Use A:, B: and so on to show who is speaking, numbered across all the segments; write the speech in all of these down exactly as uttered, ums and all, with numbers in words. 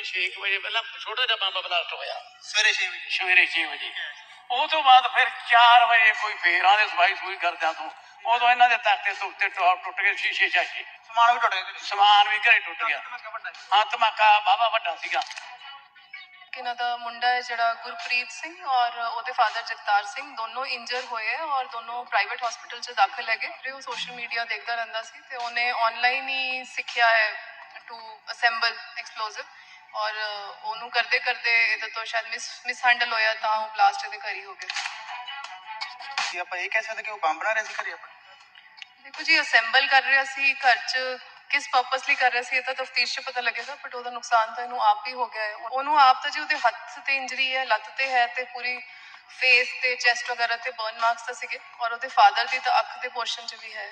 A: ਵੀ ਛੇ ਵਜੇ ਪਹਿਲਾਂ ਛੋਟਾ ਜਿਹਾ ਬੰਬ ਬਲਾਸਟ ਹੋਇਆ
B: ਸਵੇਰੇ ਛੇ ਵਜੇ
A: ਸਵੇਰੇ ਛੇ ਵਜੇ ਉਹ ਤੋਂ ਬਾਅਦ ਫਿਰ ਚਾਰ ਵਜੇ ਕੋਈ ਫੇਰਾਂ ਦੇ ਸਫਾਈ ਸਫੂਈ ਕਰਦਿਆਂ ਤੋਂ ਉਦੋਂ ਇਹਨਾਂ ਦੇ ਤਖਤੇ ਤੁਖਤੇ ਟੁੱਟ ਗਏ, ਸ਼ੀਸ਼ੇ ਸ਼ਾਸ਼ੇ
B: ਸਮਾਨ ਵੀ ਟੁੱਟ ਗਿਆ,
A: ਸਮਾਨ ਵੀ ਘਰੇ ਟੁੱਟ ਗਿਆ। ਹਾਂ ਧਮਾਕਾ ਵਾਹਵਾ ਵੱਡਾ ਸੀਗਾ।
C: ਇਹਨਾਂ ਦਾ ਮੁੰਡਾ ਹੈ ਜਿਹੜਾ ਗੁਰਪ੍ਰੀਤ ਸਿੰਘ ਔਰ ਉਹਦੇ ਫਾਦਰ ਜਗਤਾਰ ਸਿੰਘ ਦੋਨੋਂ ਇੰਜਰ ਹੋਏ ਹੈ ਔਰ ਦੋਨੋਂ ਪ੍ਰਾਈਵੇਟ ਹਸਪੀਟਲ 'ਚ ਦਾਖਲ ਹੈਗੇ। ਉਹ ਸੋਸ਼ਲ ਮੀਡੀਆ ਦੇਖਦਾ ਰਹਿੰਦਾ ਸੀ ਤੇ ਉਹਨੇ ਆਨਲਾਈਨ ਹੀ ਸਿੱਖਿਆ ਹੈ ਟੂ ਅਸੈਂਬਲ ਐਕਸਪਲੋਸਿਵ ਔਰ ਉਹਨੂੰ ਕਰਦੇ ਕਰਦੇ ਇਹਦੇ ਤੋਂ ਸ਼ਾਇਦ ਮਿਸ ਮਿਸ ਹੈਂਡਲ ਹੋਇਆ ਤਾਂ ਉਹ ਬਲਾਸਟ ਇਹਦੇ ਘਰ ਹੀ ਹੋ ਗਿਆ।
B: ਕੀ ਆਪਾਂ ਇਹ ਕਹਿ ਸਕਦੇ ਕਿ ਉਹ ਬੰਬ ਬਣਾ ਰਿਹਾ ਸੀ ਘਰੇ ਆਪਣੇ?
C: ਦੇਖੋ ਜੀ ਅਸੈਂਬਲ ਕਰ ਰਿਹਾ ਸੀ ਘਰ 'ਚ, ਕਿਸ ਪਰਪਸ ਲਈ ਕਰ ਰਿਹਾ ਸੀ ਇਹ ਤਾਂ ਤਫਤੀਸ਼ 'ਚ ਪਤਾ ਲੱਗੇਗਾ, ਬਟ ਉਹਦਾ ਨੁਕਸਾਨ ਤਾਂ ਇਹਨੂੰ ਆਪ ਹੀ ਹੋ ਗਿਆ ਹੈ। ਉਹਨੂੰ ਆਪ ਤਾਂ ਜੀ ਉਹਦੇ ਹੱਥ ਤੇ ਇੰਜਰੀ ਹੈ, ਲੱਤ ਤੇ ਹੈ ਤੇ ਪੂਰੀ ਫੇਸ ਤੇ ਚੈਸਟ ਵਗੈਰਾ ਤੇ ਬਰਨ ਮਾਰਕਸ ਤਾਂ ਸੀਗੇ ਔਰ ਉਹਦੇ ਫਾਦਰ ਦੀ ਤਾਂ ਅੱਖ ਦੇ ਪੋਰਸ਼ਨ 'ਚ ਵੀ ਹੈ।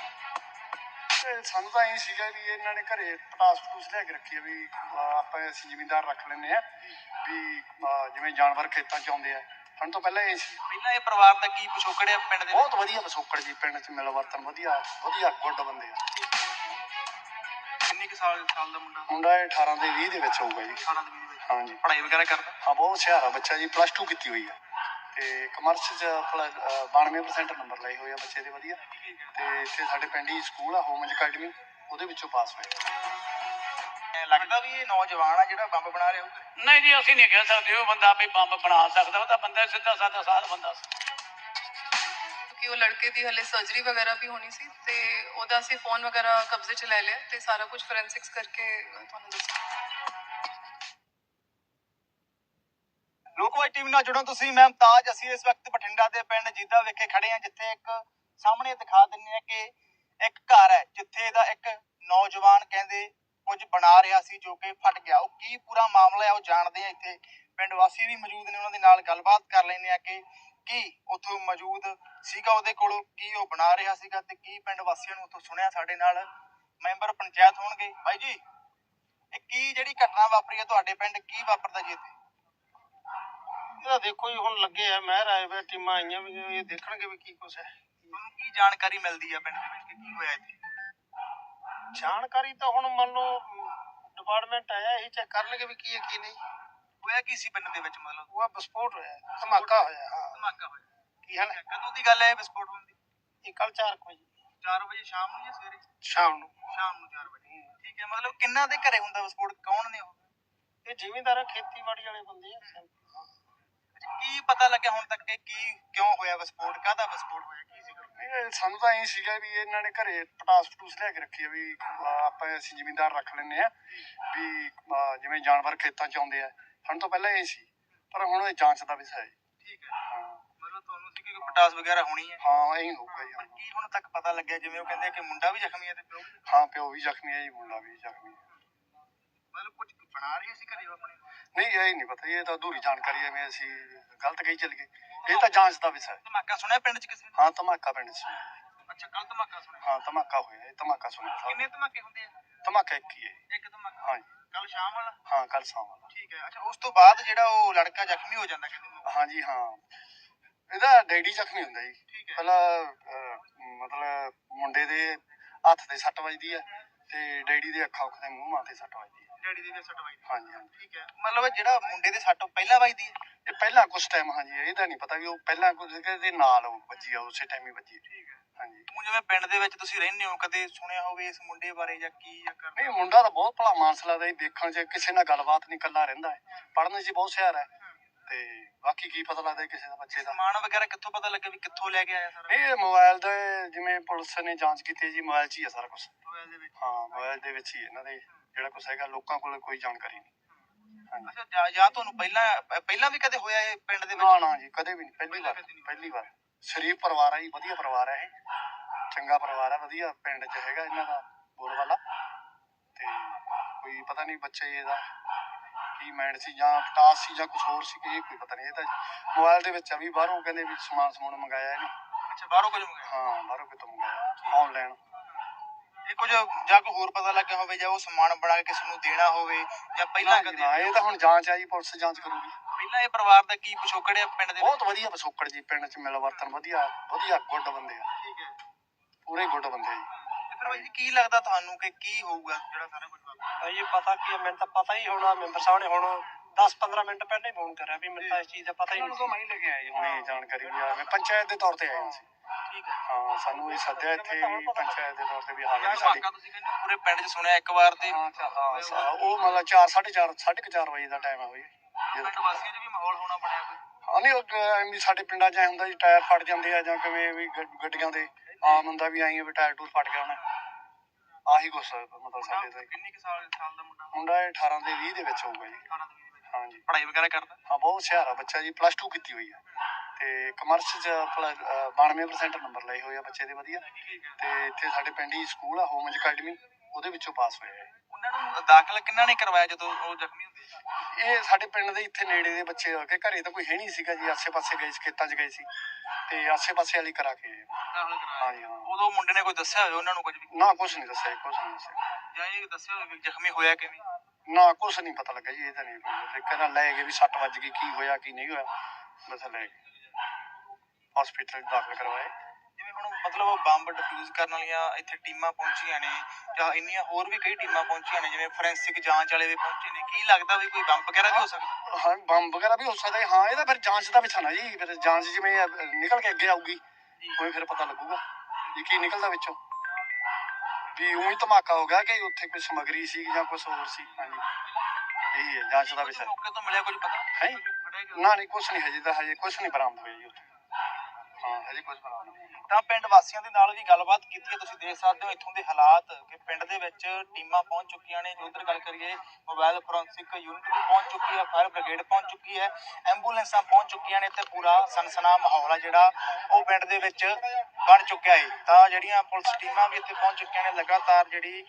D: ਸਾਨੂੰ ਤਾਂ ਇਹ ਸੀਗਾ ਵੀ ਇਹਨਾਂ ਨੇ ਘਰੇ ਪਟਾਸ ਪਟੂਸ ਲਿਆ ਕੇ ਰੱਖੀ ਆ ਵੀ ਆਪਾਂ ਅਸੀਂ ਜ਼ਿਮੀਂਦਾਰ ਰੱਖ ਲੈਂਦੇ ਆ ਵੀ ਜਿਵੇਂ ਜਾਨਵਰ ਖੇਤਾਂ 'ਚ ਆਉਂਦੇ ਆ। ਸਾਨੂੰ ਤੋਂ ਪਹਿਲਾਂ ਇਹ ਸੀ।
B: ਪਹਿਲਾਂ ਇਹ ਪਰਿਵਾਰ ਦਾ ਕੀ ਪਿਛੋਕੜ ਹੈ ਪਿੰਡ ਦੇ?
D: ਬਹੁਤ ਵਧੀਆ ਪਿਛੋਕੜ ਜੀ, ਪਿੰਡ 'ਚ ਮਿਲ ਵਰਤਨ ਵਧੀਆ ਵਧੀਆ ਗੁੱਡ ਬੰਦੇ ਆ।
B: ਕਿੰਨੇ ਕੁ ਸਾਲ ਸਾਲ ਦਾ ਮੁੰਡਾ?
D: ਮੁੰਡਾ ਇਹ ਅਠਾਰਾਂ ਦੇ ਵੀਹ ਦੇ ਵਿੱਚ ਹੋਊਗਾ ਜੀ।
B: ਅਠਾਰਾਂ ਦੇ ਵੀਹ ਦੇ ਵਿੱਚ?
D: ਹਾਂਜੀ।
B: ਪੜ੍ਹਾਈ ਵਗੈਰਾ ਕਰਦਾ?
D: ਹਾਂ ਬਹੁਤ ਹੁਸ਼ਿਆਰ ਆ ਬੱਚਾ ਜੀ, ਪਲੱਸ ਟੂ ਕੀਤੀ ਹੋਈ ਆ ਤੇ ਕਮਰਸ 'ਚ ਬਾਨਵੇਂ ਪਰਸੈਂਟ ਨੰਬਰ ਲਏ ਹੋਏ ਆ ਬੱਚੇ ਦੇ ਵਧੀਆ। ਤੇ ਇੱਥੇ ਸਾਡੇ ਪਿੰਡ ਹੀ ਸਕੂਲ ਆ ਹੋਮ ਅਕੈਡਮੀ, ਉਹਦੇ ਵਿੱਚੋਂ ਪਾਸ ਹੋਇਆ।
B: ਲੱਗਦਾ ਵੀ ਇਹ ਨੌਜਵਾਨ ਆ ਜਿਹੜਾ ਬੰਬ ਬਣਾ ਰਿਹਾ ਹੋਊਗਾ?
A: ਨਹੀਂ ਜੀ ਅਸੀਂ ਨਹੀਂ ਕਹਿ ਸਕਦੇ ਉਹ ਬੰਦਾ ਵੀ ਬੰਬ ਬਣਾ ਸਕਦਾ, ਉਹ ਤਾਂ ਬੰਦਾ ਸਿੱਧਾ ਸਾਦਾ ਸਾਧ ਬੰਦਾ ਸੀ।
C: ਕਿਉਂਕਿ ਉਹ ਲੜਕੇ ਦੀ ਹਲੇ ਸਰਜਰੀ ਵਗੈਰਾ ਵੀ ਹੋਣੀ ਸੀ ਤੇ ਉਹਦਾ ਅਸੀਂ ਫੋਨ ਵਗੈਰਾ ਕਬਜ਼ੇ 'ਚ ਲੈ ਲਿਆ ਤੇ ਸਾਰਾ ਕੁਝ ਫੋਰੈਂਸਿਕਸ ਕਰਕੇ ਤੁਹਾਨੂੰ ਦੱਸਾਂ।
B: ਲੋਕਵਾਈ ਟੀਵੀ ਨਾਲ ਜੁੜੋ ਤੁਸੀਂ, ਮੈਂ ਮੁਮਤਾਜ। ਅਸੀਂ ਇਸ ਵਕਤ ਬਠਿੰਡਾ ਦੇ ਪਿੰਡ ਜੀਦਾ ਵਿਖੇ ਖੜੇ ਹਾਂ, ਜਿੱਥੇ ਇੱਕ ਸਾਹਮਣੇ ਦਿਖਾ ਦਿੰਦੇ ਹਾਂ ਕਿ ਇੱਕ ਘਰ ਹੈ ਜਿੱਥੇ ਦਾ ਇੱਕ ਨੌਜਵਾਨ ਕਹਿੰਦੇ ਕੁਝ ਬਣਾ ਰਿਹਾ ਸੀ ਜੋ ਕਿ ਫਟ ਗਿਆ। ਉਹ ਕੀ ਪੂਰਾ ਮਾਮਲਾ ਹੈ ਉਹ ਜਾਣਦੇ ਆ। ਇੱਥੇ ਪਿੰਡ ਵਾਸੀ ਵੀ ਮੌਜੂਦ ਨੇ, ਉਹਨਾਂ ਦੇ ਨਾਲ ਗੱਲਬਾਤ ਕਰ ਲੈਂਦੇ ਆ ਕਿ ਕੀ ਉੱਥੋਂ ਮੌਜੂਦ ਸੀਗਾ ਉਹਦੇ ਕੋਲੋਂ, ਕੀ ਉਹ ਬਣਾ ਰਿਹਾ ਸੀਗਾ ਤੇ ਕੀ ਪਿੰਡ ਵਾਸੀਆਂ ਨੂੰ ਉੱਥੋਂ ਸੁਣਿਆ। ਸਾਡੇ ਨਾਲ ਮੈਂਬਰ ਪੰਚਾਇਤ ਹੋਣਗੇ। ਬਾਈ ਜੀ ਇਹ ਕੀ ਜਿਹੜੀ ਘਟਨਾ ਵਾਪਰੀ ਹੈ ਤੁਹਾਡੇ ਪਿੰਡ, ਕੀ ਵਾਪਰਦਾ ਜੀ ਇੱਥੇ?
D: ਇਹਦਾ ਦੇਖੋ ਜੀ ਹੁਣ ਲੱਗੇ ਆ ਮਹਿਰ ਆਏ ਵੇ ਟੀਮਾਂ ਆਈਆਂ ਵੀ ਇਹ ਦੇਖਣਗੇ ਵੀ ਕੀ ਕੁਛ ਹੈ।
B: ਤੁਹਾਨੂੰ ਕੀ ਜਾਣਕਾਰੀ ਮਿਲਦੀ ਹੈ ਪਿੰਡ ਦੇ ਵਿੱਚ ਕਿ ਕੀ ਹੋਇਆ ਇੱਥੇ?
D: ਜਾਣਕਾਰੀ ਤਾਂ ਹੁਣ ਮੰਨ ਲਓ ਡਿਪਾਰਟਮੈਂਟ ਆਇਆ ਇਹੀ ਚੈੱਕ ਕਰਨਗੇ ਵੀ ਕੀ ਹੈ ਕੀ ਨਹੀਂ।
B: ਹੋਇਆ ਕੀ ਸੀ ਪਿੰਡ ਦੇ ਵਿੱਚ? ਮਤਲਬ
D: ਉਹ ਵਿਸਫੋਟ ਹੋਇਆ, ਧਮਾਕਾ ਹੋਇਆ। ਹਾਂ
B: ਧਮਾਕਾ ਹੋਇਆ।
D: ਕੀ ਹਾਲ ਹੈ?
B: ਕਦੋਂ ਦੀ ਗੱਲ ਹੈ ਵਿਸਫੋਟ ਹੋਣ ਦੀ?
D: ਇਹ ਕੱਲ ਚਾਰ ਵਜੇ
B: ਚਾਰ ਵਜੇ ਸ਼ਾਮ ਨੂੰ ਜਾਂ ਸਵੇਰੇ?
D: ਸ਼ਾਮ ਨੂੰ।
B: ਸ਼ਾਮ ਨੂੰ ਚਾਰ ਵਜੇ। ਠੀਕ ਹੈ। ਮਤਲਬ ਕਿੰਨਾ ਦੇ ਘਰੇ ਹੁੰਦਾ ਵਿਸਫੋਟ? ਕੌਣ ਨੇ ਉਹ?
D: ਇਹ ਜ਼ਿਮੀਂਦਾਰ ਖੇਤੀਬਾੜੀ ਵਾਲੇ ਬੰਦੇ ਆ।
B: ਕੀ ਪਤਾ ਲੱਗਿਆ ਹੁਣ ਤੱਕ ਕਿ ਕੀ ਕਿਉਂ ਹੋਇਆ ਵਿਸਫੋਟ, ਕਾਹਦਾ ਵਿਸਫੋਟ ਹੋਇਆ, ਕੀ ਸੀਗਾ?
D: ਇਹ ਸਾਨੂੰ ਤਾਂ ਇਹ ਸੀਗਾ ਵੀ ਇਹਨਾਂ ਨੇ ਘਰੇ ਪਟਾਸ ਪਟੂਸ ਲਿਆ ਕੇ ਰੱਖੀ ਆ ਵੀ ਆਪਾਂ ਅਸੀਂ ਜ਼ਿਮੀਂਦਾਰ ਰੱਖ ਲੈਂਦੇ ਆ ਵੀ ਜਿਵੇਂ ਜਾਨਵਰ ਖੇਤਾਂ 'ਚ ਆਉਂਦੇ ਆ। ਸਾਨੂੰ ਤੋਂ ਪਹਿਲਾਂ ਇਹ ਸੀ, ਪਰ ਹੁਣ ਇਹ ਜਾਂਚ ਦਾ ਵਿਸ਼ਾ ਹੈ।
B: ਠੀਕ ਹੈ। ਹਾਂ ਮਤਲਬ ਤੁਹਾਨੂੰ ਸੀ ਕਿ ਕੋਈ ਪਟਾਸ ਵਗੈਰਾ ਹੋਣੀ ਹੈ?
D: ਹਾਂ ਇਹੀ ਹੋਊਗਾ ਜੀ।
B: ਕੀ ਹੁਣ ਤੱਕ ਪਤਾ ਲੱਗਿਆ? ਜਿਵੇਂ ਉਹ ਕਹਿੰਦੇ ਕਿ ਮੁੰਡਾ ਵੀ ਜ਼ਖਮੀ ਹੈ ਤੇ ਪਿਓ ਵੀ?
D: ਹਾਂ ਪਿਓ ਵੀ ਜ਼ਖਮੀ ਹੈ ਜੀ, ਮੁੰਡਾ ਵੀ ਜ਼ਖਮੀ ਹੈ।
B: ਮਤਲਬ ਕੁਝ ਬਣਾ ਰਹੇ ਸੀ ਘਰੇ ਆਪਣੇ?
D: ਨਹੀਂ ਇਹ ਨਹੀਂ ਪਤਾ, ਇਹ ਤਾਂ ਅਧੂਰੀ ਜਾਣਕਾਰੀ ਹੈ। ਮੈਂ ਅਸੀਂ ਗਲਤ ਕਹੀ ਚੱਲ ਗਏ, ਇਹ ਤਾਂ ਜਾਂਚ ਦਾ ਵਿਸ਼ਾ ਹੈ।
B: ਧਮਾਕਾ ਸੁਣਿਆ ਪਿੰਡ 'ਚ ਕਿਸੇ ਨੇ?
D: ਹਾਂ ਧਮਾਕਾ ਪਿੰਡ 'ਚ।
B: ਅੱਛਾ ਕੱਲ ਧਮਾਕਾ ਸੁਣਿਆ?
D: ਹਾਂ ਧਮਾਕਾ ਹੋਇਆ, ਇਹ ਧਮਾਕਾ ਸੁਣਿਆ।
B: ਕਿੰਨੇ ਧਮਾਕੇ ਹੁੰਦੇ ਆ?
D: ਧਮਾਕਾ ਇੱਕ ਹੀ ਹੈ।
B: ਇੱਕ ਧਮਾਕਾ?
D: ਹਾਂ ਜੀ।
B: ਕੱਲ ਸ਼ਾਮ ਵਾਲਾ?
D: ਹਾਂ ਕੱਲ ਸ਼ਾਮ ਵਾਲਾ।
B: ਠੀਕ ਹੈ। ਅੱਛਾ ਉਸ ਤੋਂ ਬਾਅਦ ਜਿਹੜਾ ਉਹ ਲੜਕਾ ਜ਼ਖਮੀ ਹੋ ਜਾਂਦਾ ਕਹਿੰਦੇ?
D: ਹਾਂ ਜੀ ਹਾਂ, ਇਹਦਾ ਡੈਡੀ ਜ਼ਖਮੀ ਹੁੰਦਾ ਜੀ।
B: ਠੀਕ ਹੈ।
D: ਪਹਿਲਾਂ ਮਤਲਬ ਮੁੰਡੇ ਦੇ ਹੱਥ ਤੇ ਸੱਟ ਵੱਜਦੀ ਹੈ ਤੇ ਡੈਡੀ ਦੇ ਅੱਖਾਂ ਉੱਖ ਦੇ ਮੂੰਹ ਮਾਂ ਤੇ ਸੱਟ ਵੱਜਦੀ ਹੈ।
B: ਡੈਡੀ ਦੀ ਵੀ ਸੱਟ ਵੱਜਦੀ?
D: ਹਾਂਜੀ ਹਾਂਜੀ।
B: ਠੀਕ ਹੈ। ਮਤਲਬ ਜਿਹੜਾ ਮੁੰਡੇ ਦੇ ਸੱਟ ਪਹਿਲਾਂ ਵੱਜਦੀ ਹੈ?
D: ਇਹ ਪਹਿਲਾਂ ਕੁਛ ਟਾਈਮ ਹਾਂਜੀ ਇਹਦਾ ਨਹੀਂ ਪਤਾ ਵੀ ਉਹ ਪਹਿਲਾਂ ਕੁਝ ਦੇ ਨਾਲ ਉਹ ਵੱਜੀ ਆ, ਉਸੇ ਟਾਈਮ ਹੀ ਵੱਜੀ।
B: ਠੀਕ ਹੈ।
D: ਹਾਂਜੀ।
B: ਹੁਣ ਜਿਵੇਂ ਪਿੰਡ ਦੇ ਵਿੱਚ ਤੁਸੀਂ ਰਹਿੰਦੇ ਹੋ, ਕਦੇ ਸੁਣਿਆ ਹੋਵੇ ਇਸ ਮੁੰਡੇ ਬਾਰੇ ਜਾਂ ਕੀ ਜਾਂ ਕਰਦਾ?
D: ਨਹੀਂ ਮੁੰਡਾ ਤਾਂ ਬਹੁਤ ਭਲਾ ਮਾਨਸ ਲੱਗਦਾ ਜੀ, ਦੇਖਣ 'ਚ ਕਿਸੇ ਨਾਲ ਗੱਲਬਾਤ ਨਹੀਂ, ਇਕੱਲਾ ਰਹਿੰਦਾ ਹੈ, ਪੜ੍ਹਨ 'ਚ ਬਹੁਤ ਹੁਸ਼ਿਆਰ ਹੈ ਤੇ ਬਾਕੀ ਕੀ ਪਤਾ ਲੱਗਦਾ ਕਿਸੇ ਦਾ ਬੱਚੇ ਦਾ।
B: ਸਮਾਨ ਵਗੈਰਾ ਕਿੱਥੋਂ ਪਤਾ ਲੱਗਿਆ ਵੀ ਕਿੱਥੋਂ ਲੈ ਕੇ ਆਇਆ ਸਾਰਾ?
D: ਇਹ ਮੋਬਾਈਲ ਦਾ ਜਿਵੇਂ ਪੁਲਿਸ ਨੇ ਜਾਂਚ ਕੀਤੀ ਜੀ, ਮੋਬਾਈਲ 'ਚ ਹੀ ਹੈ ਸਾਰਾ ਕੁਛ।
B: ਮੋਬਾਈਲ ਦੇ ਵਿੱਚ?
D: ਹਾਂ ਮੋਬਾਈਲ ਦੇ ਵਿੱਚ ਹੀ ਇਹਨਾਂ ਦੇ ਜਿਹੜਾ ਕੁਛ ਹੈਗਾ, ਲੋਕਾਂ ਕੋਲ ਕੋਈ ਜਾਣਕਾਰੀ ਨਹੀਂ। ਹਾਂਜੀ।
B: ਅੱਛਾ ਜਾਂ ਜਾਂ ਤੁਹਾਨੂੰ ਪਹਿਲਾਂ ਪਹਿਲਾਂ ਵੀ ਕਦੇ ਹੋਇਆ ਇਹ ਪਿੰਡ ਦੇ ਵਿੱਚ?
D: ਨਾ ਨਾ ਜੀ ਕਦੇ ਵੀ ਨਹੀਂ, ਪਹਿਲੀ ਵਾਰ ਪਹਿਲੀ ਵਾਰ। ਸ਼ਰੀਫ ਪਰਿਵਾਰ ਹੈ ਜੀ, ਵਧੀਆ ਪਰਿਵਾਰ ਹੈ ਇਹ, ਚੰਗਾ ਪਰਿਵਾਰ ਹੈ, ਵਧੀਆ ਪਿੰਡ 'ਚ ਹੈਗਾ ਇਹਨਾਂ ਦਾ ਬੋਲਬਾਲਾ। ਤੇ ਕੋਈ ਪਤਾ ਨਹੀਂ ਬੱਚੇ ਇਹਦਾ ਕੀ ਮਾਈਂਡ ਸੀ ਜਾਂ ਪਟਾਸ ਸੀ ਜਾਂ ਕੁਛ ਹੋਰ ਸੀ ਕਿ ਇਹ ਕੋਈ ਪਤਾ ਨਹੀਂ। ਇਹ ਤਾਂ ਮੋਬਾਈਲ ਦੇ ਵਿੱਚ ਆ ਵੀ ਬਾਹਰੋਂ ਕਹਿੰਦੇ ਵੀ ਸਮਾਨ ਸਮੂਨ ਮੰਗਾਇਆ ਇਹਨੇ।
B: ਅੱਛਾ ਬਾਹਰੋਂ ਕੁਝ ਮੰਗਾਇਆ?
D: ਹਾਂ ਬਾਹਰੋਂ ਕਿਤੋਂ ਮੰਗਾਇਆ ਆਨਲਾਈਨ।
B: ਇਹ ਕੁਝ ਜਾਂ ਕੋਈ ਹੋਰ ਪਤਾ ਲੱਗਿਆ ਹੋਵੇ ਜਾਂ ਉਹ ਸਮਾਨ ਬਣਾ ਕੇ ਕਿਸੇ ਨੂੰ ਦੇਣਾ ਹੋਵੇ ਜਾਂ ਪਹਿਲਾਂ ਕਦੇ?
D: ਇਹ ਤਾਂ ਹੁਣ ਜਾਂਚ ਆਈ, ਪੁਲਿਸ ਜਾਂਚ ਕਰੂਗੀ।
B: ਪਹਿਲਾਂ ਇਹ ਪਰਿਵਾਰ ਦਾ ਕੀ ਪਿਛੋਕੜ ਹੈ ਪਿੰਡ ਦੇ?
D: ਬਹੁਤ ਵਧੀਆ ਪਿਛੋਕੜ ਜੀ, ਪਿੰਡ 'ਚ ਮਿਲ ਵਰਤਨ ਵਧੀਆ ਵਧੀਆ ਗੁੱਡ ਬੰਦੇ ਆ।
B: ਠੀਕ ਹੈ।
D: ਪੂਰੇ ਗੁੱਡ ਬੰਦੇ ਆ ਜੀ।
B: ਫਿਰ ਬਾਈ ਜੀ ਕੀ ਲੱਗਦਾ ਤੁਹਾਨੂੰ ਕਿ ਕੀ ਹੋਊਗਾ ਜਿਹੜਾ ਸਾਰਾ ਕੁਝ ਵਾਪਰਿਆ?
E: ਭਾਈ ਪਤਾ ਕੀ ਹੈ, ਮੈਨੂੰ ਤਾਂ ਪਤਾ ਹੀ ਹੋਣਾ। ਮੈਂਬਰ ਸਾਹਿਬ ਨੇ ਹੁਣ ਦਸ ਪੰਦਰਾਂ ਮਿੰਟ ਪਹਿਲਾਂ ਹੀ ਫੋਨ ਕਰਿਆ ਵੀ ਮੈਨੂੰ ਤਾਂ ਇਸ ਚੀਜ਼ ਦਾ ਪਤਾ ਹੀ
D: ਉਹਨਾਂ
E: ਨਹੀਂ
D: ਨੂੰ ਤਾਂ ਮੈਂ ਹੀ ਲੈ ਕੇ ਆਇਆ ਜੀ ਹੁਣੇ ਜਾਣਕਾਰੀ ਵੀ ਆ ਮੈਂ ਪੰਚਾਇਤ ਦੇ ਤੌਰ ਤੇ ਆਇਆ ਸੀ।
B: ਠੀਕ ਹੈ।
D: ਹਾਂ ਸਾਨੂੰ ਇਹ ਸੱਦਿਆ ਇੱਥੇ ਵੀ ਪੰਚਾਇਤ ਦੇ ਤੌਰ ਤੇ ਵੀ ਹਾਂ
B: ਯਾਰ
D: ਜੀ ਸਾਡੀ
B: ਵਾਕਾ ਤੁਸੀਂ ਕਹਿੰਦੇ ਪੂਰੇ ਪਿੰਡ 'ਚ ਸੁਣਿਆ ਇੱਕ ਵਾਰ ਤੇ
D: ਹਾਂ ਹਾਂ ਸਾ- ਉਹ ਮਤਲਬ ਚਾਰ ਸਾਢੇ ਚਾਰ ਸਾਢੇ ਕੁ ਚਾਰ ਵਜੇ ਦਾ ਟਾਈਮ ਆ ਬਈ ਜਦੋਂ
B: ਪਿੰਡ ਵਾਸੀਆਂ 'ਚ ਵੀ ਮਾਹੌਲ ਹੋਣਾ ਬਣਿਆ ਕੋਈ?
D: ਹਾਂ ਨਹੀਂ ਉਹ ਐਂ ਵੀ ਸਾਡੇ ਪਿੰਡਾਂ 'ਚ ਐ ਹੁੰਦਾ ਜੀ ਟਾਇਰ ਫਟ ਜਾਂਦੇ ਆ ਜਾਂ ਕਿਵੇਂ ਵੀ ਗੱਡ- ਗੱਡੀਆਂ ਦੇ ਆਮ ਹੁੰਦਾ ਵੀ ਆਈ ਵੀ ਟਾਇਰ ਟੂਰ ਫਟ ਗਿਆ ਹੋਣਾ ਆਹੀ ਕੁਛ ਮਤਲਬ ਸਾਡੇ ਦਾ
B: ਕਿੰਨੀ ਕੁ ਸਾਲ ਸਾਲ ਦਾ ਮੁੰਡਾ?
D: ਮੁੰਡਾ ਇਹ ਅਠਾਰਾਂ ਦੇ ਵੀਹ ਦੇ ਵਿੱਚ ਹੋਊਗਾ ਜੀ।
B: ਅਠਾਰਾਂ ਦੇ ਵੀਹ ਵਿੱਚ।
D: ਹਾਂ ਜੀ
B: ਪੜ੍ਹਾਈ ਵਗੈਰਾ ਕਰਦਾ?
D: ਹਾਂ ਬਹੁਤ ਹੁਸ਼ਿਆਰ ਆ ਬੱਚਾ ਜੀ ਪਲੱਸ ਟੂ ਕੀਤੀ ਹੋਈ ਆ ਤੇ ਕਮਰਸ 'ਚ ਬਾਨਵੇਂ ਪਰਸੈਂਟ ਨੰਬਰ ਲਏ ਹੋਏ ਆ ਬੱਚੇ ਦੇ ਵਧੀਆ ਤੇ ਇੱਥੇ ਸਾਡੇ ਪਿੰਡ ਹੀ ਸਕੂਲ ਆ ਹੋਮਜ ਅਕੈਡਮੀ ਉਹਦੇ ਵਿੱਚੋਂ ਪਾਸ ਹੋਇਆ ਹੈ।
B: ਉਹਨਾਂ ਨੂੰ ਦਾਖਲ ਕਿੰਨਾ ਨੇ ਕਰਵਾਇਆ ਜਦੋਂ ਉਹ ਜ਼ਖਮੀ ਹੁੰਦੇ ਸੀ?
D: ਇਹ ਸਾਡੇ ਪਿੰਡ ਦੇ ਇੱਥੇ ਨੇੜੇ ਦੇ ਬੱਚੇ ਆ ਕੇ ਘਰੇ ਤਾਂ ਕੋਈ ਹੈ ਨਹੀਂ ਸੀਗਾ ਜੀ ਆਸੇ ਪਾਸੇ ਗਏ ਸੀ ਖੇਤਾਂ 'ਚ ਗਏ ਸੀ ਤੇ ਆਸੇ ਪਾਸੇ ਵਾਲੀ ਕਰਾ ਕੇ ਆਏ।
B: ਦਾਖਲ ਕਰਵਾਇਆ?
D: ਹਾਂ ਜੀ ਹਾਂ
B: ਉਦੋਂ ਮੁੰਡੇ ਨੇ ਕੋਈ ਦੱਸਿਆ ਹੋਵੇ ਉਹਨਾਂ ਨੂੰ ਕੁਝ ਵੀ?
D: ਨਾ ਕੁਛ ਨਹੀਂ ਦੱਸਿਆ ਜੀ, ਕੁਛ ਨਹੀਂ ਦੱਸਿਆ
B: ਜਾਂ ਇਹ ਦੱਸਿਆ ਹੋਵੇ ਵੀ ਜ਼ਖਮੀ ਹੋਇਆ ਕਿਵੇਂ?
D: ਨਾ ਕੁਛ ਨਹੀਂ ਪਤਾ ਲੱਗਾ ਜੀ ਇਹ ਤਾਂ ਨਹੀਂ ਕੋਈ ਕਹਿੰਦਾ ਲੈ ਗਏ ਵੀ ਸੱਟ ਵੱਜ ਗਈ ਕੀ ਹੋਇਆ ਕੀ ਨਹੀਂ ਹੋਇਆ ਬਸ ਲੈ ਗਏ ਹਸਪੀਟਲ ਦਾਖਲ ਕਰਵਾਏ।
B: ਜਿਵੇਂ ਹੁਣ ਮਤਲਬ ਬੰਬ ਡਿਫਿਊਜ਼ ਕਰਨ ਵਾਲੀਆਂ ਇੱਥੇ ਟੀਮਾਂ ਪਹੁੰਚੀਆਂ ਨੇ ਜਾਂ ਇੰਨੀਆਂ ਹੋਰ ਵੀ ਕਈ ਟੀਮਾਂ ਪਹੁੰਚੀਆਂ ਨੇ ਜਿਵੇਂ ਫੋਰੈਂਸਿਕ ਜਾਂਚ ਵਾਲੇ ਵੀ ਪਹੁੰਚੇ ਨੇ ਕੀ ਲੱਗਦਾ ਵੀ ਕੋਈ ਬੰਬ ਵਗੈਰਾ ਵੀ ਹੋ ਸਕਦਾ?
D: ਹਾਂ ਬੰਬ ਵਗੈਰਾ ਵੀ ਹੋ ਸਕਦਾ ਹੈ। ਹਾਂ ਇਹਦਾ ਫਿਰ ਜਾਂਚ ਦਾ ਵਿਸ਼ਾ ਨਾ ਜੀ ਫਿਰ ਜਾਂਚ ਜਿਵੇਂ ਅਹ ਨਿਕਲ ਕੇ ਅੱਗੇ ਆਊਗੀ ਉਵੇਂ ਫਿਰ ਪਤਾ ਲੱਗੂਗਾ ਵੀ ਕੀ ਨਿਕਲਦਾ ਵਿੱਚੋਂ ਵੀ ਉਹੀ ਧਮਾਕਾ ਹੋ ਗਿਆ ਕਿ ਉੱਥੇ ਕੋਈ ਸਮੱਗਰੀ ਸੀ ਜਾਂ ਕੁਛ ਹੋਰ ਸੀ। ਹਾਂਜੀ ਇਹੀ ਹੈ ਜਾਂਚ ਦਾ ਵਿਸ਼ਾ
B: ਮੌਕੇ ਤੋਂ ਮਿਲਿਆ ਕੁਝ ਪਤਾ?
D: ਹੈ ਨਾ ਨਹੀਂ ਕੁਛ ਨਹੀਂ ਹਜੇ ਤਾਂ ਹਜੇ ਕੁਛ ਨਹੀਂ ਬਰਾਮਦ ਹੋਇਆ ਜੀ ਉੱਥੇ ਹਾਂ ਹਜੇ ਕੁਛ ਬਰਾਮਦ ਨਹੀਂ।
B: ਤਾਂ ਪਿੰਡ ਵਾਸੀਆਂ ਦੇ ਨਾਲ ਵੀ ਗੱਲਬਾਤ ਕੀਤੀ ਹੈ। ਤੁਸੀਂ ਦੇਖ ਸਕਦੇ ਹੋ ਇੱਥੋਂ ਦੇ ਹਾਲਾਤ ਕਿ ਪਿੰਡ ਦੇ ਵਿੱਚ ਟੀਮਾਂ ਪਹੁੰਚ ਚੁੱਕੀਆਂ ਨੇ। ਉਧਰ ਗੱਲ ਕਰੀਏ ਮੋਬਾਈਲ ਫੋਰੈਂਸਿਕ ਯੂਨਿਟ ਵੀ ਪਹੁੰਚ ਚੁੱਕੀ ਹੈ, ਫਾਇਰ ਬ੍ਰਿਗੇਡ ਪਹੁੰਚ ਚੁੱਕੀ ਹੈ, ਐਂਬੂਲੈਂਸਾਂ ਪਹੁੰਚ ਚੁੱਕੀਆਂ ਨੇ ਤੇ ਪੂਰਾ ਸਨਸਨਾ ਮਾਹੌਲ ਆ ਜਿਹੜਾ ਉਹ ਪਿੰਡ ਦੇ ਵਿੱਚ ਬਣ ਚੁੱਕਿਆ ਹੈ। ਤਾਂ ਜਿਹੜੀਆਂ ਪੁਲਿਸ ਟੀਮਾਂ ਵੀ ਇੱਥੇ ਪਹੁੰਚ ਚੁੱਕੀਆਂ ਨੇ ਲਗਾਤਾਰ ਜਿਹੜੀ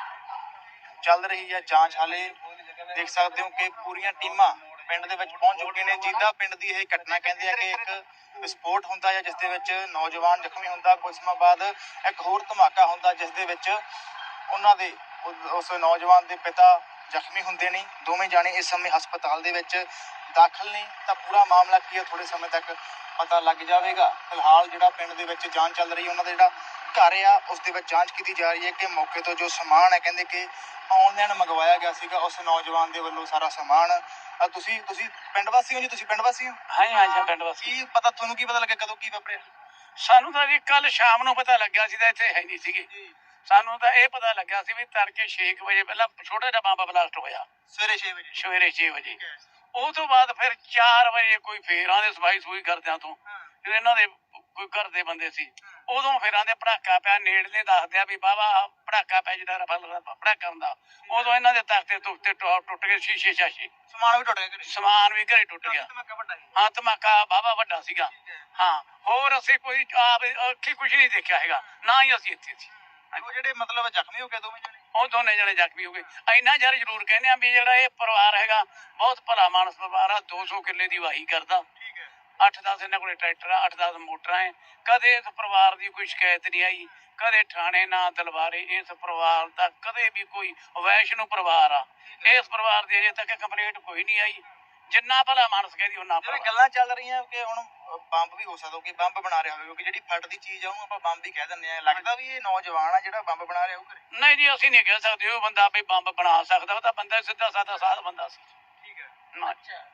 B: ਚੱਲ ਰਹੀ ਹੈ ਜਾਂਚ ਹਾਲੇ ਦੇਖ ਸਕਦੇ ਹੋ ਕਿ ਪੂਰੀਆਂ ਟੀਮਾਂ ਪਿੰਡ ਦੇ ਵਿੱਚ ਪਹੁੰਚ ਚੁੱਕੀਆਂ ਨੇ। ਜਿੱਦਾਂ ਪਿੰਡ ਦੀ ਇਹ ਘਟਨਾ ਕਹਿੰਦੇ ਆ ਕਿ ਇੱਕ ਵਿਸਫੋਟ ਹੁੰਦਾ ਹੈ ਜਿਸ ਦੇ ਵਿੱਚ ਨੌਜਵਾਨ ਜ਼ਖਮੀ ਹੁੰਦਾ, ਕੁਝ ਸਮਾਂ ਬਾਅਦ ਇੱਕ ਹੋਰ ਧਮਾਕਾ ਹੁੰਦਾ ਜਿਸ ਦੇ ਵਿੱਚ ਉਹਨਾਂ ਦੇ ਉਸ ਨੌਜਵਾਨ ਦੇ ਪਿਤਾ ਜ਼ਖਮੀ ਹੁੰਦੇ ਨੇ। ਦੋਵੇਂ ਜਾਣੇ ਇਸ ਸਮੇਂ ਹਸਪਤਾਲ ਦੇ ਵਿੱਚ ਦਾਖਲ ਨੇ। ਤਾਂ ਪੂਰਾ ਮਾਮਲਾ ਕੀ ਹੈ ਥੋੜੇ ਸਮੇਂ ਤੱਕ ਪਤਾ ਲੱਗ ਜਾਵੇਗਾ। ਫਿਲਹਾਲ ਜਿਹੜਾ ਪਿੰਡ ਦੇ ਵਿੱਚ ਜਾਂਚ ਚੱਲ ਰਹੀ ਹੈ, ਉਹਨਾਂ ਦਾ ਜਿਹੜਾ ਘਰ ਆ ਉਸ ਦੇ ਵਿੱਚ ਜਾਂਚ ਕੀਤੀ ਜਾ ਰਹੀ ਹੈ ਕਿ ਮੌਕੇ ਤੋਂ ਜੋ ਸਮਾਨ ਹੈ ਕਹਿੰਦੇ ਕਿ ਆਨਲਾਈਨ ਮੰਗਵਾਇਆ ਗਿਆ ਸੀਗਾ ਉਸ ਨੌਜਵਾਨ ਦੇ ਵੱਲੋਂ ਸਾਰਾ ਸਮਾਨ। ਅਹ ਤੁਸੀਂ ਤੁਸੀਂ ਪਿੰਡ ਵਾਸੀ ਹੋ ਜੀ? ਤੁਸੀਂ ਪਿੰਡ ਵਾਸੀ ਹੋ?
A: ਹਾਂ ਜੀ, ਹਾਂ ਜੀ, ਪਿੰਡ ਵਾਸੀ।
B: ਕੀ ਪਤਾ ਤੁਹਾਨੂੰ ਕੀ ਪਤਾ ਲੱਗਿਆ ਕਦੋਂ ਕੀ ਵਾਪਰਿਆ?
A: ਸਾਨੂੰ ਤਾਂ ਜੀ ਕੱਲ ਸ਼ਾਮ ਨੂੰ ਪਤਾ ਲੱਗਿਆ ਸੀ ਤਾਂ ਇੱਥੇ ਹੈ ਨਹੀਂ ਸੀਗੇ। ਸਾਨੂੰ ਤਾਂ ਇਹ ਪਤਾ ਲੱਗਿਆ ਸੀ ਵੀ ਤੜਕੇ ਛੇ ਕੁ ਵਜੇ ਪਹਿਲਾਂ ਛੋਟਾ ਜਿਹਾ ਬੰਬ ਬਲਾਸਟ ਹੋਇਆ
B: ਸਵੇਰੇ ਛੇ ਵਜੇ?
A: ਸਵੇਰੇ ਛੇ ਵਜੇ। ਉਹ ਤੋਂ ਬਾਅਦ ਫਿਰ ਚਾਰ ਵਜੇ ਕੋਈ ਫੇਰ ਆਂਦੇ ਸਫਾਈ ਸੂਈ ਕਰਦਿਆਂ ਤੋਂ ਜਦੋਂ ਇਹਨਾਂ ਦੇ ਕੋਈ ਘਰ ਦੇ ਬੰਦੇ ਸੀ ਉਦੋਂ ਫਿਰ ਆਂਦੇ ਪੜਾਕਾ ਪਿਆ। ਨੇੜਲੇ ਦੱਸਦੇ ਆ ਵੀ ਬਾਬਾ ਪੜਾਕਾ ਪਿਆ ਜਿਹੜਾ ਰਫਲ ਪੜਾਕਾ ਹੁੰਦਾ। ਉਦੋਂ ਇਹਨਾਂ ਦੇ ਤਖਤੇ ਤੁਖਤੇ ਟੁੱਟ ਗਏ, ਸ਼ੀਸ਼ੇ ਸ਼ਾਸ਼ੇ
B: ਸਮਾਨ ਵੀ ਟੁੱਟ ਗਿਆ ਘਰੇ?
A: ਸਮਾਨ ਵੀ ਘਰੇ ਟੁੱਟ ਗਿਆ।
B: ਧਮਾਕਾ ਵੱਡਾ ਸੀ?
A: ਹਾਂ ਧਮਾਕਾ ਬਾਬਾ ਵੱਡਾ ਸੀਗਾ। ਹਾਂ ਹੋਰ ਅਸੀਂ ਕੋਈ ਆਪ ਅੱਖੀ ਕੁਛ ਨਹੀਂ ਦੇਖਿਆ ਹੈਗਾ, ਨਾ ਹੀ ਅਸੀਂ ਇੱਥੇ ਸੀ।
B: ਉਹ ਜਿਹੜੇ ਮਤਲਬ ਜ਼ਖਮੀ ਹੋ ਗਏ ਦੋਵੇਂ ਜਣੇ?
A: ਉਹ ਦੋਨੇ ਜਣੇ ਜ਼ਖਮੀ ਹੋ ਗਏ। ਇੰਨਾ ਜ਼ਰ ਜ਼ਰੂਰ ਕਹਿੰਦੇ ਆ ਵੀ ਜਿਹੜਾ ਇਹ ਪਰਿਵਾਰ ਹੈਗਾ ਬਹੁਤ ਭਲਾ ਮਾਨਸ ਪਰਿਵਾਰ ਆ। ਦੋ ਸੌ ਕਿੱਲੇ ਦੀ ਵਾਹੀ ਕਰਦਾ,
B: ਠੀਕ ਹੈ।
A: ਅੱਠ ਦਸ ਇਹਨਾਂ ਕੋਲੇ ਟਰੈਕਟਰ ਆ, ਅੱਠ ਦਸ ਮੋਟਰਾਂ ਹੈ। ਕਦੇ ਇਸ ਪਰਿਵਾਰ ਦੀ ਕੋਈ ਸ਼ਿਕਾਇਤ ਨਹੀਂ ਆਈ, ਕਦੇ ਥਾਣੇ ਨਾ ਦਲਵਾਰੇ। ਇਸ ਪਰਿਵਾਰ ਦਾ ਕਦੇ ਵੀ ਕੋਈ ਵੈਸ਼ਨੂ ਪਰਿਵਾਰ ਆ, ਇਸ ਪਰਿਵਾਰ ਦੀ ਅਜੇ ਤੱਕ ਕੰਪਲੇਂਟ ਕੋਈ ਨਹੀਂ ਆਈ। ਜਿੰਨਾ ਭਲਾ ਮਾਨਸ ਕਹਿੰਦੀ ਉਹਨਾਂ
B: ਜਿਵੇਂ ਗੱਲਾਂ ਚੱਲ ਰਹੀਆਂ ਕਿ ਹੁਣ ਬੰਬ ਵੀ ਹੋ ਸਕਦਾ ਕਿ ਬੰਬ ਬਣਾ ਰਿਹਾ ਹੋਵੇ ਕਿਉਂਕਿ ਜਿਹੜੀ ਫਟਦੀ ਚੀਜ਼ ਆ ਉਹਨੂੰ ਆਪਾਂ ਬੰਬ ਹੀ ਕਹਿ ਦਿੰਦੇ ਆ। ਲੱਗਦਾ ਵੀ ਇਹ ਨੌਜਵਾਨ ਆ ਜਿਹੜਾ ਬੰਬ ਬਣਾ ਰਿਹਾ ਉਹ ਘਰੇ?
A: ਨਹੀਂ ਜੀ ਅਸੀਂ ਨਹੀਂ ਕਹਿ ਸਕਦੇ ਉਹ ਬੰਦਾ ਵੀ ਬੰਬ ਬਣਾ ਸਕਦਾ। ਉਹ ਤਾਂ ਬੰਦਾ ਸਿੱਧਾ ਸਾਦਾ ਸਾਧ ਬੰਦਾ ਸੀ।
B: ਠੀਕ ਹੈ।
A: ਨਾ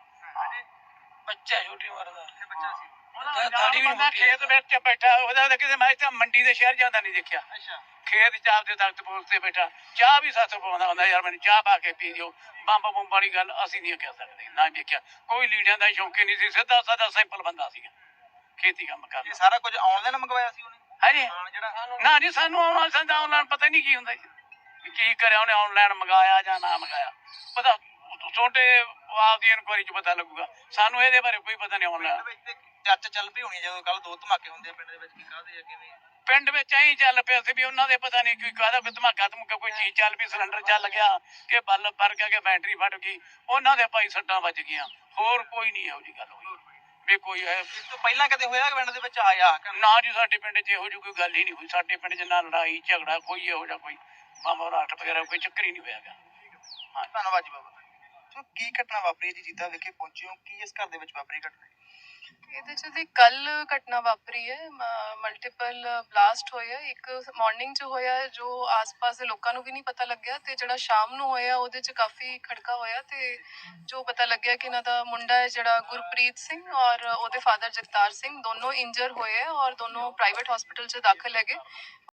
A: ਬੱਚਾ ਛੋਟੀ ਉਮਰ ਦਾ
B: ਬੱਚਾ ਸੀ?
A: ਬੰਦਾ ਖੇਤ ਵਿੱਚ ਬੈਠਾ ਉਹਦਾ ਤਾਂ ਕਿਤੇ ਮੈਂ ਤਾਂ ਮੰਡੀ ਦੇ ਸ਼ਹਿਰ ਜਾਂਦਾ ਨਹੀਂ ਦੇਖਿਆ।
B: ਅੱਛਾ।
A: ਖੇਤ ਚਾਹ ਦੇ ਤਖਤ ਪੁਲਿਸ ਤੇ ਬੈਠਾ ਚਾਹ ਵੀ ਸੱਤ ਪਾਉਂਦਾ ਹੁੰਦਾ ਯਾਰ ਮੈਨੂੰ ਚਾਹ ਪਾ ਕੇ ਪੀ ਦਿਓ। ਬੰਬ ਬੰਬ ਵਾਲੀ ਗੱਲ ਅਸੀਂ ਨਹੀਂ ਕਹਿ ਸਕਦੇ, ਨਾ ਦੇਖਿਆ। ਕੋਈ ਲੀੜਿਆਂ ਦਾ ਸ਼ੌਂਕੀ ਨਹੀਂ ਸੀ, ਸਿੱਧਾ ਸਾਦਾ ਸਿੰਪਲ ਬੰਦਾ ਸੀਗਾ, ਖੇਤੀ ਕੰਮ
B: ਇਹ
A: ਕਰਦਾ।
B: ਸਾਰਾ ਕੁਝ ਆਨਲਾਈਨ ਮੰਗਵਾਇਆ ਸੀ ਉਹਨੇ?
A: ਹਾਂਜੀ
B: ਸਮਾਨ ਜਿਹੜਾ?
A: ਨਾ ਜੀ ਸਾਨੂੰ ਆਉਣਾ ਸੰਦਾ ਆਨਲਾਈਨ ਪਤਾ ਨਹੀਂ ਕੀ ਹੁੰਦਾ ਜੀ, ਕੀ ਕਰਿਆ ਉਹਨੇ ਆਨਲਾਈਨ ਮੰਗਾਇਆ ਜਾਂ ਨਾ ਮੰਗਾਇਆ। ਪਤਾ ਤੁਹਾਡੇ ਆਪਦੀ ਇਨਕੁਆਰੀ ਚ ਪਤਾ ਲੱਗੂਗਾ, ਸਾਨੂੰ ਇਹਦੇ ਬਾਰੇ ਕੋਈ ਪਤਾ ਨਹੀਂ ਆਨਲਾਈਨ।
B: ਪਿੰਡ ਵਿੱਚ ਤੇ ਚਰਚ ਚੱਲ ਪਈ ਹੋਣੀ ਜਦੋਂ ਕੱਲ ਦੋ ਧਮਾਕੇ ਹੁੰਦੇ ਆ ਪਿੰਡ ਦੇ ਵਿੱਚ ਕੀ ਕਾਹਦੇ ਆ ਕਿਵੇਂ?
A: ਪਿੰਡ ਵਿੱਚ ਐਂ ਚੱਲ ਪਿਆ ਸੀ ਵੀ ਉਹਨਾਂ ਦੇ ਪਤਾ ਨਹੀਂ ਕੋਈ ਕਾਹਦਾ ਕੋਈ ਧਮਾਕਾ ਧਮਕਾ ਕੋਈ ਚੀਜ਼ ਚੱਲ ਪਈ, ਸਿਲੰਡਰ ਚੱਲ ਗਿਆ ਕਿ ਬੱਲ ਪਰ ਗਿਆ ਕਿ ਬੈਟਰੀ ਫਟ ਗਈ। ਉਹਨਾਂ ਦੇ ਭਾਈ ਸੱਟਾਂ ਵੱਜ ਗਈਆਂ, ਹੋਰ ਕੋਈ ਨਹੀਂ ਇਹੋ ਜਿਹੀ ਗੱਲ ਹੋਈ ਵੀ ਕੋਈ ਹੈ।
B: ਇਸ ਤੋਂ ਪਹਿਲਾਂ ਕਦੇ ਹੋਇਆ ਕਿ ਪਿੰਡ ਦੇ ਵਿੱਚ ਆਇਆ?
A: ਨਾ ਜੀ ਸਾਡੇ ਪਿੰਡ 'ਚ ਇਹੋ ਜਿਹੀ ਕੋਈ ਗੱਲ ਹੀ ਨਹੀਂ ਹੋਈ। ਸਾਡੇ ਪਿੰਡ 'ਚ ਨਾ ਲੜਾਈ ਝਗੜਾ ਕੋਈ ਇਹੋ ਜਿਹਾ ਕੋਈ ਬੰਬ ਰਾਟ ਵਗੈਰਾ ਕੋਈ ਚੱਕਰ ਹੀ ਨਹੀਂ ਹੋਇਆ ਗਾ।
B: ਧੰਨਵਾਦ ਜੀ ਬਾਬਾ। ਸੋ ਕੀ ਘਟਨਾ ਵਾਪਰੀ ਜੀ? ਜਿੱਦਾਂ ਵੇਖੇ ਪਹੁੰਚੇ ਹੋ, ਕੀ ਇਸ ਘਰ ਦੇ ਵਿੱਚ ਵਾਪਰੀ ਘਟਨਾ?
C: ਇਹਦੇ 'ਚ ਦੀ ਕੱਲ ਘਟਨਾ ਵਾਪਰੀ ਹੈ, ਮਲਟੀਪਲ ਬਲਾਸਟ ਹੋਏ ਆ। ਇੱਕ ਮਾਰਨਿੰਗ 'ਚ ਹੋਇਆ ਜੋ ਆਸ-ਪਾਸ ਦੇ ਲੋਕਾਂ ਨੂੰ ਵੀ ਨਹੀਂ ਪਤਾ ਲੱਗਿਆ, ਤੇ ਜਿਹੜਾ ਸ਼ਾਮ ਨੂੰ ਹੋਇਆ ਉਹਦੇ 'ਚ ਕਾਫੀ ਖੜਕਾ ਹੋਇਆ, ਤੇ ਜੋ ਪਤਾ ਲੱਗਿਆ ਕਿ ਇਹਨਾਂ ਦਾ ਮੁੰਡਾ ਹੈ ਜਿਹੜਾ ਗੁਰਪ੍ਰੀਤ ਸਿੰਘ ਔਰ ਉਹਦੇ ਫਾਦਰ ਜਗਤਾਰ ਸਿੰਘ ਦੋਨੋਂ ਇੰਜਰ ਹੋਏ ਆ ਔਰ ਦੋਨੋਂ ਪ੍ਰਾਈਵੇਟ ਹਸਪੀਟਲ 'ਚ ਦਾਖਲ ਹੈਗੇ।